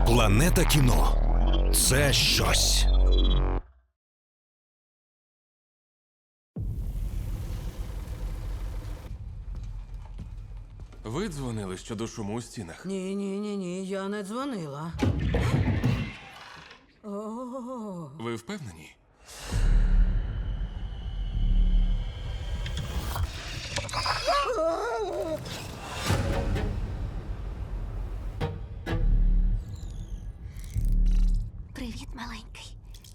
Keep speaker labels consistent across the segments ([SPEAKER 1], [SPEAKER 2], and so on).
[SPEAKER 1] Планета кіно – це щось.
[SPEAKER 2] Ви дзвонили щодо шуму у стінах?
[SPEAKER 3] Ні, я не дзвонила. О,
[SPEAKER 2] Ви впевнені?
[SPEAKER 4] Привіт, маленький.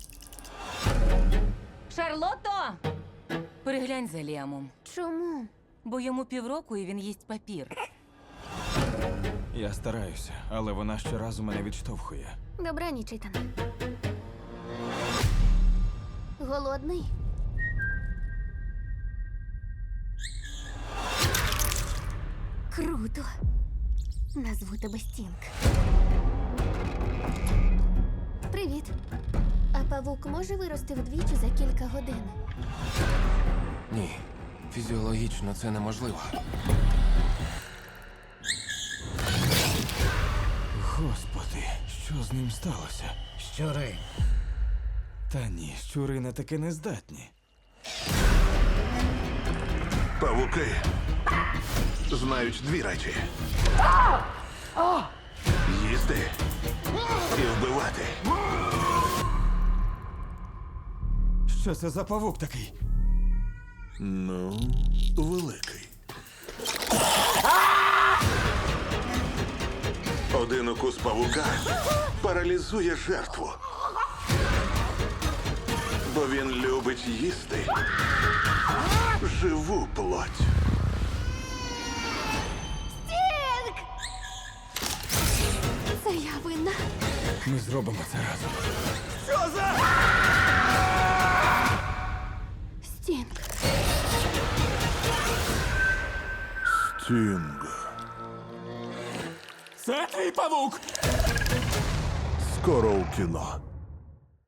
[SPEAKER 5] Шарлотто! Переглянь за Ліамом,
[SPEAKER 4] Чому?
[SPEAKER 5] бо йому півроку і він їсть папір.
[SPEAKER 6] Я стараюся, але вона щоразу мене відштовхує.
[SPEAKER 4] Добраніч, Ітане. Голодний? Круто. Назву тебе Стінг. Привіт. А павук може вирости вдвічі за кілька годин?
[SPEAKER 2] Ні. Фізіологічно це неможливо.
[SPEAKER 6] Господи, що з ним сталося?
[SPEAKER 3] щури.
[SPEAKER 6] Та ні, щури на таке не здатні.
[SPEAKER 7] Павуки знають дві речі: їсти і вбивати.
[SPEAKER 6] Що це за павук такий?
[SPEAKER 7] Ну, великий. Один укус павука паралізує жертву. Бо він любить їсти живу плоть.
[SPEAKER 4] Стінг! Це я винна.
[SPEAKER 6] Ми зробимо це разом.
[SPEAKER 4] Стінг.
[SPEAKER 7] Стінг.
[SPEAKER 6] Це твій павук!
[SPEAKER 7] Скоро у кіно.